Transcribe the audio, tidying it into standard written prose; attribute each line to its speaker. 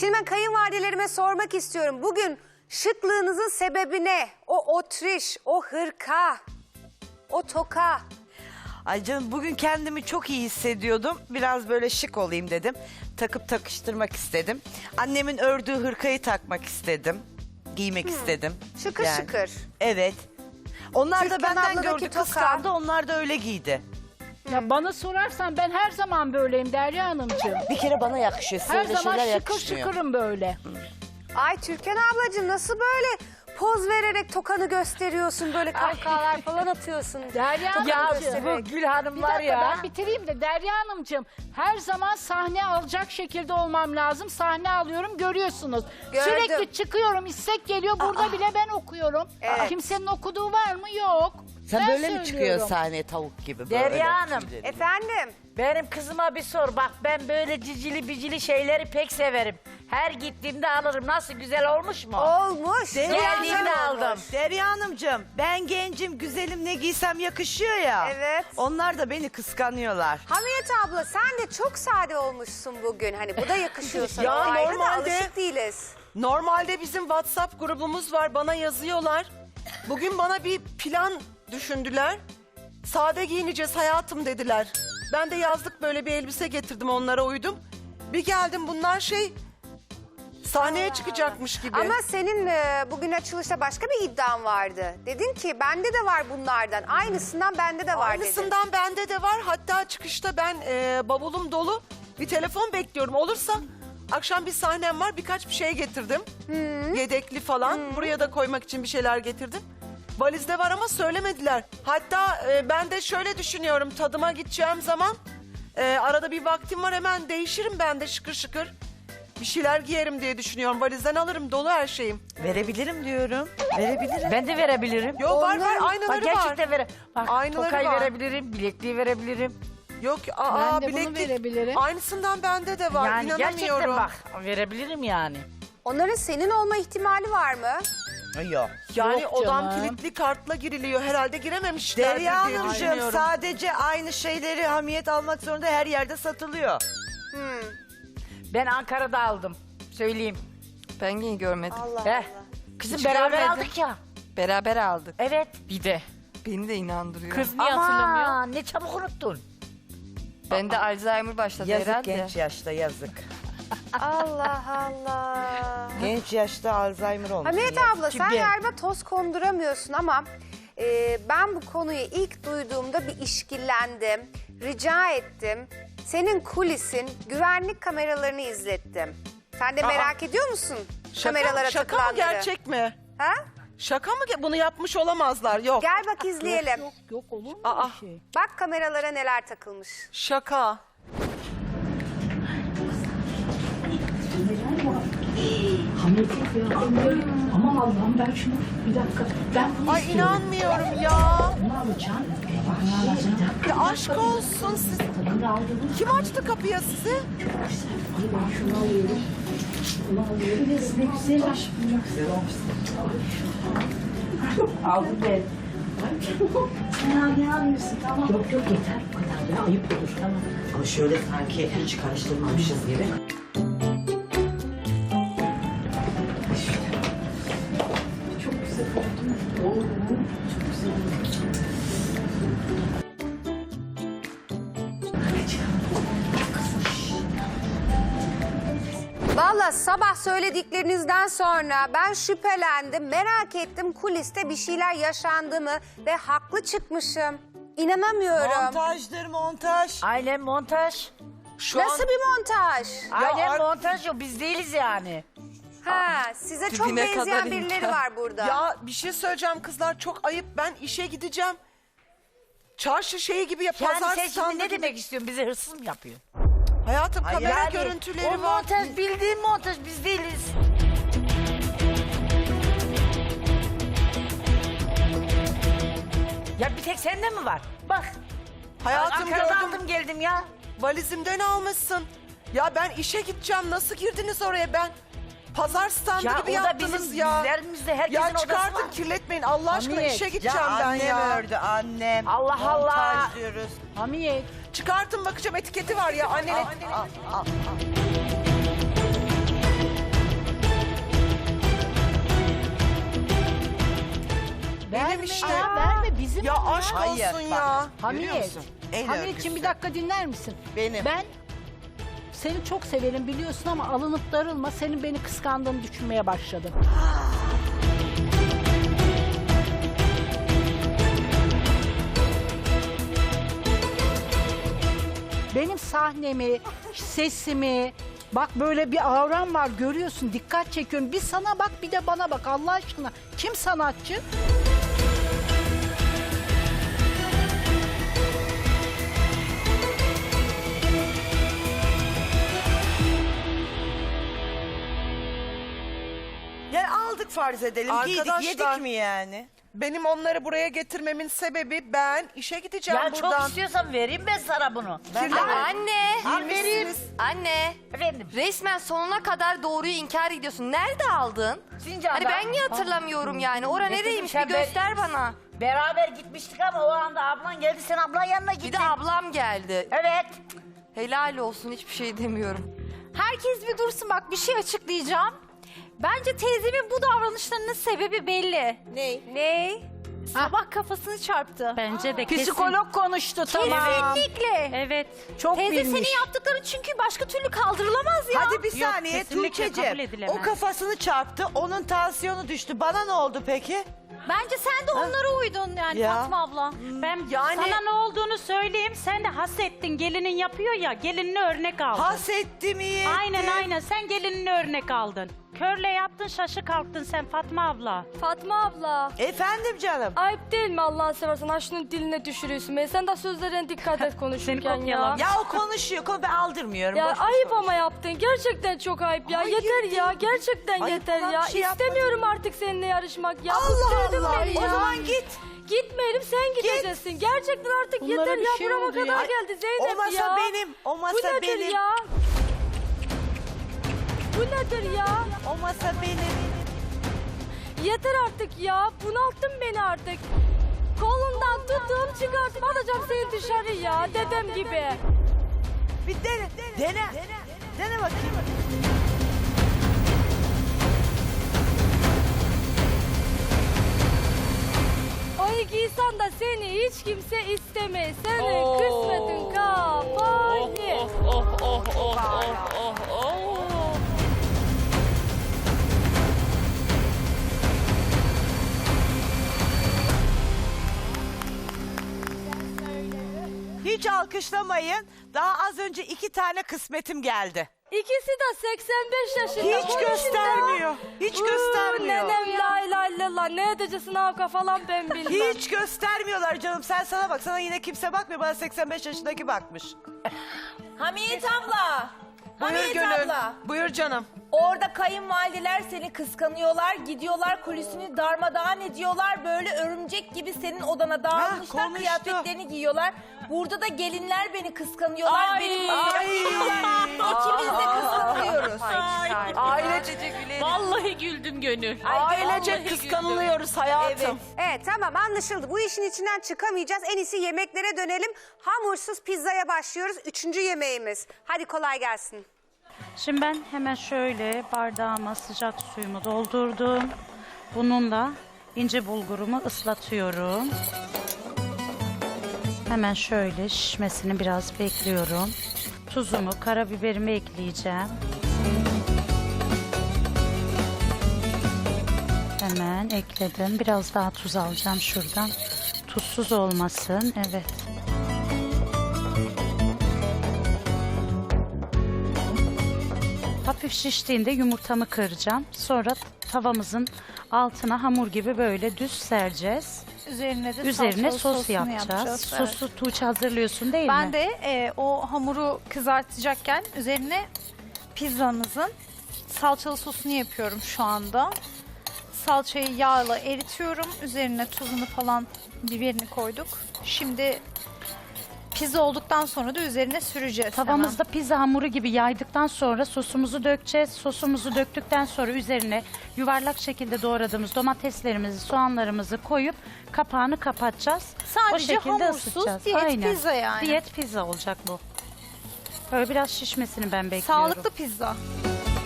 Speaker 1: Şimdi ben kayınvalidelerime sormak istiyorum. Bugün şıklığınızın sebebi ne? O otriş, o hırka, o toka.
Speaker 2: Ay canım bugün kendimi çok iyi hissediyordum. Biraz böyle şık olayım dedim. Takıp takıştırmak istedim. Annemin ördüğü hırkayı takmak istedim. Giymek istedim.
Speaker 1: Şıkır şıkır.
Speaker 2: Evet. Onlar da
Speaker 1: Türkan
Speaker 2: benden
Speaker 1: abladaki
Speaker 2: gördü,
Speaker 1: toka.
Speaker 2: kıskandı. Onlar da öyle giydi.
Speaker 3: Ya bana sorarsan ben her zaman böyleyim Derya Hanımcığım.
Speaker 2: Bir kere bana yakışıyor. Size
Speaker 3: Her
Speaker 2: öyle
Speaker 3: zaman
Speaker 2: şeyler
Speaker 3: şıkır
Speaker 2: yakışmıyor.
Speaker 3: şıkırım böyle.
Speaker 1: Ay Türkan ablacığım nasıl böyle poz vererek tokanı gösteriyorsun, böyle kahkahalar falan atıyorsun.
Speaker 3: Derya
Speaker 1: Tokanı
Speaker 3: Hanımcığım.
Speaker 1: göstererek.
Speaker 4: Gül Hanım
Speaker 3: Bir
Speaker 4: var
Speaker 3: dakika
Speaker 4: ya.
Speaker 3: ben bitireyim de Derya Hanımcığım. Her zaman sahne alacak şekilde olmam lazım. Sahne alıyorum görüyorsunuz.
Speaker 1: Gördüm.
Speaker 3: Sürekli çıkıyorum, istek geliyor. Burada bile ben okuyorum.
Speaker 1: Evet.
Speaker 3: Kimsenin okuduğu var mı? Yok.
Speaker 2: Sen
Speaker 3: Ben
Speaker 2: böyle mi
Speaker 3: söylüyorum.
Speaker 2: çıkıyorsun sahneye tavuk gibi? Böyle
Speaker 4: Derya Hanım.
Speaker 2: tüyleri?
Speaker 1: Efendim?
Speaker 4: Benim kızıma bir sor. Bak ben böyle cicili bicili şeyleri pek severim. Her gittiğimde alırım. Nasıl, güzel olmuş mu?
Speaker 1: Olmuş.
Speaker 4: Geldiğimde aldım.
Speaker 2: Derya Hanımcığım, ben gencim, güzelim, ne giysem yakışıyor ya.
Speaker 1: Evet.
Speaker 2: Onlar da beni kıskanıyorlar.
Speaker 1: Hamiyet abla sen de çok sade olmuşsun bugün. Hani bu da yakışıyor sana.
Speaker 5: Ya
Speaker 1: O ayrı da
Speaker 5: normalde-
Speaker 1: alışık değiliz.
Speaker 5: Normalde bizim WhatsApp grubumuz var, bana yazıyorlar. Bugün bana bir plan düşündüler. Sade giyineceğiz hayatım dediler. Ben de yazlık böyle bir elbise getirdim, onlara uydum. Bir geldim, bunlar sahneye çıkacakmış gibi.
Speaker 1: Ama senin bugün açılışta başka bir iddian vardı. Dedin ki bende de var bunlardan. Aynısından bende de var dedin.
Speaker 5: Aynısından bende de var. Hatta çıkışta ben bavulum dolu bir telefon bekliyorum. Olursa akşam bir sahnem var, birkaç bir şey getirdim. Yedekli falan. Buraya da koymak için bir şeyler getirdim. Valizde var ama söylemediler. Hatta ben de şöyle düşünüyorum, tadıma gideceğim zaman arada bir vaktim var, hemen değişirim ben de şıkır şıkır. Bir şeyler giyerim diye düşünüyorum. Valizden alırım, dolu her şeyim.
Speaker 2: Verebilirim diyorum. Verebilirim.
Speaker 4: Ben de verebilirim.
Speaker 5: Yok var,
Speaker 1: Onlar-
Speaker 5: aynaları
Speaker 4: Bak
Speaker 5: var.
Speaker 4: gerçekten Bak
Speaker 5: Aynaları
Speaker 4: tokayı
Speaker 5: var.
Speaker 4: verebilirim, bilekliği verebilirim.
Speaker 5: Yok,
Speaker 3: Ben de bunu
Speaker 5: bileklik.
Speaker 3: verebilirim.
Speaker 5: Aynısından bende de var.
Speaker 4: Yani gerçekten
Speaker 5: İnanamıyorum.
Speaker 4: bak verebilirim yani.
Speaker 1: Onların senin olma ihtimali var mı?
Speaker 2: Yok.
Speaker 5: Yani
Speaker 3: Yok
Speaker 5: odam
Speaker 3: canım.
Speaker 5: kilitli kartla giriliyor. Herhalde girememişler
Speaker 2: Derya
Speaker 5: diye
Speaker 2: Hanımcığım
Speaker 5: düşünüyorum.
Speaker 2: sadece aynı şeyleri Hamiyet almak zorunda, her yerde satılıyor.
Speaker 4: Ben Ankara'da aldım. Söyleyeyim.
Speaker 6: Ben yine görmedim.
Speaker 1: Allah
Speaker 4: Heh.
Speaker 1: Allah.
Speaker 4: Kızım
Speaker 6: Hiç
Speaker 4: beraber
Speaker 6: görmedim.
Speaker 4: aldık ya.
Speaker 6: Beraber aldık.
Speaker 4: Evet. Bir de.
Speaker 6: Beni de inandırıyor.
Speaker 4: Kız niye hatırlamıyor? Ne çabuk unuttun.
Speaker 6: Bende Alzheimer başladı
Speaker 2: Yazık
Speaker 6: herhalde.
Speaker 2: genç yaşta, yazık.
Speaker 1: Allah Allah.
Speaker 2: Genç yaşta Alzheimer olmuş.
Speaker 1: Hamiyet
Speaker 2: yazık.
Speaker 1: abla sen
Speaker 4: Kim?
Speaker 1: galiba toz konduramıyorsun ama ben bu konuyu ilk duyduğumda bir işkillendim. Rica ettim. Senin kulisin, güvenlik kameralarını izlettim. Sen de merak ediyor musun kameralara
Speaker 5: şaka mı,
Speaker 1: takılanları?
Speaker 5: gerçek mi?
Speaker 1: Ha?
Speaker 5: Şaka mı? Bunu yapmış olamazlar. Yok.
Speaker 1: Gel bak izleyelim.
Speaker 3: Yok olur mu
Speaker 5: Aa.
Speaker 3: bir şey?
Speaker 1: Bak kameralara neler takılmış.
Speaker 5: Şaka.
Speaker 7: Aman Allah'ım ben şunu bir dakika. Ben bunu
Speaker 5: Ay
Speaker 7: istiyorum.
Speaker 5: inanmıyorum ya.
Speaker 7: Bunu alacağım. Bunu alacağım.
Speaker 5: Ya aşk olsun siz.
Speaker 7: Tadını aldınız.
Speaker 5: Kim açtı kapıya sizi?
Speaker 7: Ay ben şunu alıyorum. Bunu alıyorum. Ne güzel aşk. Güzel olmuş. Aldım ben. Sen ne alıyorsun tamam. Yok yok yeter bu kadar ya ayıp olur tamam.
Speaker 8: Ama şöyle sanki hiç karıştırmamışız gibi.
Speaker 7: Çok güzel oldu. Oldu. Çok güzel oldu.
Speaker 1: Valla sabah söylediklerinizden sonra ben şüphelendim, merak ettim kuliste bir şeyler yaşandı mı ve haklı çıkmışım. İnanamıyorum.
Speaker 2: Montajdır montaj.
Speaker 4: Aynen montaj.
Speaker 1: Nasıl bir montaj?
Speaker 4: Aynen montaj yok. Biz değiliz yani.
Speaker 1: Ha, size çok
Speaker 6: Dibine
Speaker 1: benzeyen
Speaker 6: kadar
Speaker 1: birileri
Speaker 6: imkan.
Speaker 1: var burada.
Speaker 5: Ya bir şey söyleyeceğim kızlar, çok ayıp. Ben işe gideceğim. Çarşı şeyi gibi ya,
Speaker 4: Yani
Speaker 5: pazar
Speaker 4: sen
Speaker 5: standı
Speaker 4: şimdi ne
Speaker 5: gibi.
Speaker 4: demek istiyorsun? Bizi hırsız mı yapıyorsun?
Speaker 5: Hayatım kamera
Speaker 4: Yani
Speaker 5: görüntüleri
Speaker 4: o
Speaker 5: var.
Speaker 4: montaj bildiğin montaj, biz değiliz. Ya bir tek sende mi var? Bak.
Speaker 5: Hayatım
Speaker 4: Ankara'da
Speaker 5: gördüm.
Speaker 4: aldım geldim ya.
Speaker 5: Valizimden almışsın. Ya ben işe gideceğim. Nasıl girdiniz oraya ben? Pazar standı
Speaker 4: Ya
Speaker 5: gibi
Speaker 4: o da
Speaker 5: yaptınız
Speaker 4: bizim
Speaker 5: ya.
Speaker 4: bizlerimizde herkesin
Speaker 5: Ya
Speaker 4: odası
Speaker 5: çıkartın,
Speaker 4: var.
Speaker 5: kirletmeyin Allah aşkına,
Speaker 3: Hamiyet,
Speaker 5: işe
Speaker 2: Ya
Speaker 5: gideceğim ben
Speaker 2: annem
Speaker 5: ya.
Speaker 2: ördü, annem.
Speaker 4: Allah Allah.
Speaker 2: Montaj diyoruz.
Speaker 3: Hamiyet.
Speaker 5: Çıkartın bakacağım, etiketi var ya annenin. aşk
Speaker 2: Hayır,
Speaker 5: olsun
Speaker 2: bak.
Speaker 5: ya.
Speaker 3: Hamiyet.
Speaker 2: Görüyorsun, el
Speaker 3: Hamiyetciğim bir
Speaker 2: örgüsü.
Speaker 3: dakika dinler misin?
Speaker 2: Benim.
Speaker 3: Ben seni çok severim biliyorsun ama alınıp darılma. Senin beni kıskandığını düşünmeye başladım. Benim sahnemi, sesimi, bak böyle bir avram var görüyorsun, dikkat çekiyorum. Bir sana bak bir de bana bak Allah aşkına. Kim sanatçı?
Speaker 2: Yani aldık farz edelim. Giydik,
Speaker 5: Arkadaşlar-
Speaker 2: yedik mi yani?
Speaker 5: Benim onları buraya getirmemin sebebi ben işe gideceğim
Speaker 4: Ya çok
Speaker 5: buradan.
Speaker 4: istiyorsan vereyim ben sana bunu.
Speaker 9: Anne,
Speaker 5: Giymişsiniz.
Speaker 9: anne.
Speaker 4: Efendim.
Speaker 9: Resmen sonuna kadar doğruyu inkar ediyorsun. Nerede aldın?
Speaker 4: Sincan'da.
Speaker 9: Hani ben niye hatırlamıyorum yani? Ora
Speaker 4: Getirdim,
Speaker 9: nereymiş
Speaker 4: sen
Speaker 9: bir göster bana.
Speaker 4: Beraber gitmiştik ama o anda ablan geldi. Sen ablan yanına gittin.
Speaker 9: Bir de ablam geldi.
Speaker 4: Evet.
Speaker 9: Helal olsun hiçbir şey demiyorum.
Speaker 10: Herkes bir dursun bak bir şey açıklayacağım. Bence teyzemin bu davranışlarının sebebi belli.
Speaker 1: Ne?
Speaker 10: Sabah kafasını çarptı.
Speaker 3: Bence de psikolog konuştu tamam.
Speaker 10: Kesinlikle.
Speaker 3: Evet. Çok
Speaker 10: Teyze
Speaker 3: bilmiş.
Speaker 10: senin yaptıkların çünkü başka türlü kaldırılamaz ya.
Speaker 2: Hadi bir saniye Tuğçe'cim. O kafasını çarptı, onun tansiyonu düştü. Bana ne oldu peki?
Speaker 10: Bence sen de onlara uydun yani
Speaker 2: Ya.
Speaker 10: Fatma abla.
Speaker 3: Ben
Speaker 5: Yani-
Speaker 3: sana ne olduğunu söyleyeyim. Sen de hasettin. Gelinin yapıyor ya. Gelinini örnek aldın.
Speaker 2: Hasettim iyi
Speaker 3: Aynen
Speaker 2: ettim.
Speaker 3: aynen. Sen gelinini örnek aldın. Körle yaptın şaşı kalktın sen Fatma abla.
Speaker 11: Fatma abla.
Speaker 2: Efendim canım.
Speaker 11: Ayıp değil mi Allah'ını seversen? Ha şunun diline düşürüyorsun beni. Sen de sözlerine dikkat et konuşurken ya.
Speaker 3: kopyalam.
Speaker 2: Ya o konuşuyor, ben aldırmıyorum.
Speaker 11: Ya
Speaker 2: boş boş
Speaker 11: ayıp
Speaker 2: konuş.
Speaker 11: ama yaptın. Gerçekten çok ayıp ya.
Speaker 2: Hayır
Speaker 11: yeter ya.
Speaker 2: değil.
Speaker 11: Gerçekten
Speaker 2: Ayıp
Speaker 11: yeter
Speaker 2: olan
Speaker 11: ya.
Speaker 2: bir şey yapmadım.
Speaker 11: İstemiyorum artık seninle yarışmak ya.
Speaker 2: Allah
Speaker 11: Bıktırdın
Speaker 2: Allah.
Speaker 11: beni
Speaker 2: O
Speaker 11: ya.
Speaker 2: zaman git.
Speaker 11: Gitmeyelim sen gideceksin. Gerçekten artık
Speaker 3: Bunlara
Speaker 11: yeter
Speaker 3: bir
Speaker 11: ya.
Speaker 3: şey
Speaker 11: Burama
Speaker 3: oldu ya.
Speaker 11: kadar geldi Zeynep
Speaker 2: O masa
Speaker 11: ya.
Speaker 2: benim, o masa
Speaker 11: Bu nedir
Speaker 2: benim.
Speaker 11: ya? Bu nedir ya?
Speaker 2: O masa benim.
Speaker 11: Yeter artık ya. Bunalttın beni artık. Kolundan tuttum çıkartıp alacağım seni dışarı ya. Dedem gibi.
Speaker 2: Bir dene. Dene bakayım.
Speaker 11: Ay giysen de seni hiç kimse istemez. Senin kısmetin kapalı.
Speaker 2: Hiç alkışlamayın. Daha az önce 2 tane kısmetim geldi.
Speaker 11: İkisi de 85 yaşında.
Speaker 2: Hiç göstermiyor. Hiç göstermiyor.
Speaker 11: Nenem la ilahe illallah. Ne edeceksin avka falan ben bilmem.
Speaker 2: Hiç göstermiyorlar canım. Sen sana bak. Sana yine kimse bakmıyor. Bana 85 yaşındaki bakmış.
Speaker 12: Hamiyet abla.
Speaker 5: Buyur
Speaker 12: Hamiyet
Speaker 5: Gönül.
Speaker 12: abla.
Speaker 5: Buyur canım.
Speaker 12: Orada kayınvalideler seni kıskanıyorlar. Gidiyorlar kulisini darmadağın ediyorlar. Böyle örümcek gibi senin odana dağılmışlar.
Speaker 2: konuştu.
Speaker 12: Kıyafetlerini giyiyorlar. Burada da gelinler beni kıskanıyorlar.
Speaker 11: Ay.
Speaker 12: Benim masaya gidiyorlar. İkimiz de kıskanıyoruz.
Speaker 9: Ailece gülerim.
Speaker 3: Vallahi güldüm gönül.
Speaker 5: Ailecek kıskanılıyoruz hayatım.
Speaker 1: Evet tamam anlaşıldı. Bu işin içinden çıkamayacağız. En iyisi yemeklere dönelim. Hamursuz pizzaya başlıyoruz. 3. yemeğimiz. Hadi kolay gelsin.
Speaker 3: Şimdi ben hemen şöyle bardağıma sıcak suyumu doldurdum. Bununla ince bulgurumu ıslatıyorum. Hemen şöyle şişmesini biraz bekliyorum. Tuzumu, karabiberimi ekleyeceğim. Hemen ekledim. Biraz daha tuz alacağım şuradan. Tuzsuz olmasın. Evet. Hafif şiştiğinde yumurtamı kıracağım. Sonra tavamızın altına hamur gibi böyle düz sereceğiz.
Speaker 10: Üzerine de
Speaker 3: Üzerine
Speaker 10: salçalı
Speaker 3: sos
Speaker 10: sosunu
Speaker 3: yapacağız.
Speaker 10: evet.
Speaker 3: Sosu Tuğçe hazırlıyorsun değil
Speaker 10: Ben
Speaker 3: mi?
Speaker 10: de o hamuru kızartacakken üzerine pizzamızın salçalı sosunu yapıyorum şu anda. Salçayı yağla eritiyorum. Üzerine tuzunu falan biberini koyduk. Şimdi pizza olduktan sonra da üzerine süreceğiz.
Speaker 3: Tavamızda pizza hamuru gibi yaydıktan sonra sosumuzu dökeceğiz. Sosumuzu döktükten sonra üzerine yuvarlak şekilde doğradığımız domateslerimizi, soğanlarımızı koyup kapağını kapatacağız.
Speaker 10: Sadece
Speaker 3: o şekilde
Speaker 10: hamursuz,
Speaker 3: ısıtacağız.
Speaker 10: diyet
Speaker 3: Aynen.
Speaker 10: pizza yani.
Speaker 3: Diyet pizza olacak bu. Böyle biraz şişmesini ben bekliyorum.
Speaker 10: Sağlıklı pizza.